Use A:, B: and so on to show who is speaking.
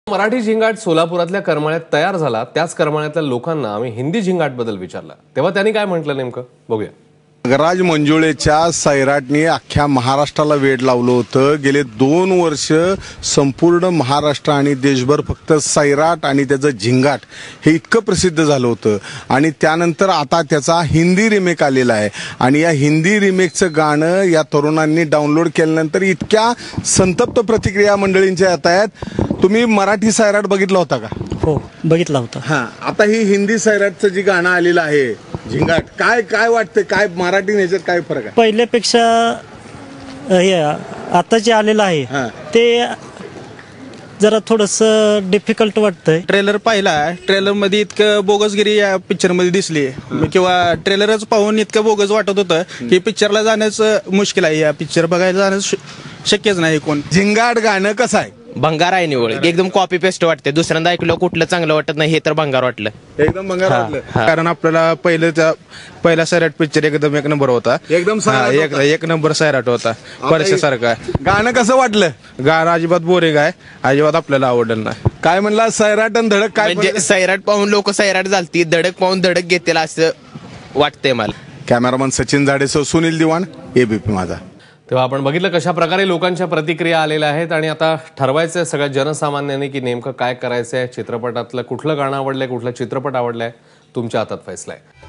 A: मराठी झिंगाट सोलापुरातल्या करमाळ्यात तयार झाला, त्याच करमाळ्यातल्या लोकांना आम्ही हिंदी झिंगाट बद्दल विचारलं, तेव्हा त्यांनी काय म्हटलं नेमकं बघूया.
B: नागराज मंजुळेच्या सैराटने अख्ख्या महाराष्ट्राला वेड लावलं होतं. गेले 2 वर्ष संपूर्ण महाराष्ट्र आणि देशभर फक्त सैराट आणि त्याचं झिंगाट हे इतकं प्रसिद्ध झालं होतं आणि त्यानंतर आता त्याचा हिंदी रिमेक आलेला आहे आणि या हिंदी रिमेकचं गाणं या तरुणांनी डाउनलोड केल्यानंतर इतक्या संतप्त प्रतिक्रिया मंडळींच्या येत आहेत. तुम्ही मराठी सैराट बघितला होता का?
C: हो, बघितला होता.
B: हां, आता ही हिंदी सैराटचं जी गाणं आलेलं आहे झिंगाट, काय काय वाटतं, काय मराठी ह्याच्यात काय फरक आहे?
C: पहिल्यापेक्षा हे आता जे आलेलं आहे ते जरा थोडंसं डिफिकल्ट वाटतंय.
D: ट्रेलर पाहिला, ट्रेलर मध्ये इतकं बोगसगिरी या पिक्चर मध्ये दिसली किंवा ट्रेलरच पाहून इतकं बोगस वाटत होतं की पिक्चरला जाण्याचं मुश्किल आहे. या पिक्चर बघायला जाणं शक्यच नाही. कोण
B: झिंगाट गाणं कसं आहे?
E: भंगार आहे निवळ, एकदम कॉपी पेस्ट वाटते. दुसऱ्यांदा ऐकलं कुठलं चांगलं वाटत नाही, हे तर भंगार वाटलं.
B: एकदम भंगार वाटलं.
D: कारण आपल्याला पहिला सैराट पिक्चर एकदम एक नंबर होता.
B: एकदम सैराट होता.
D: एक नंबर सैराट होता, परशासारखा.
B: गाणं कसं वाटलं?
D: गाणं अजिबात बोरिंग आहे, अजिबात आपल्याला आवडलं नाही.
B: काय म्हणला सैराट आणि धडक? काय
E: म्हणजे सैराट पाहून लोक सैराट झालती, धडक पाहून धडक घेतील असं वाटतंय मला.
B: कॅमेरामन सचिन जाडेसह सुनील दिवाण, एबीपी माझा.
A: तेव्हा आपण बघितलं कशा प्रकारे लोकांच्या प्रतिक्रिया आलेल्या आहेत आणि आता ठरवायचं सगळ्या जनसामान्यांनी की नेमकं काय करायचंय. चित्रपटातलं कुठलं गाणं आवडलंय, कुठला चित्रपट आवडलाय, तुमच्या हातात फैसला आहे.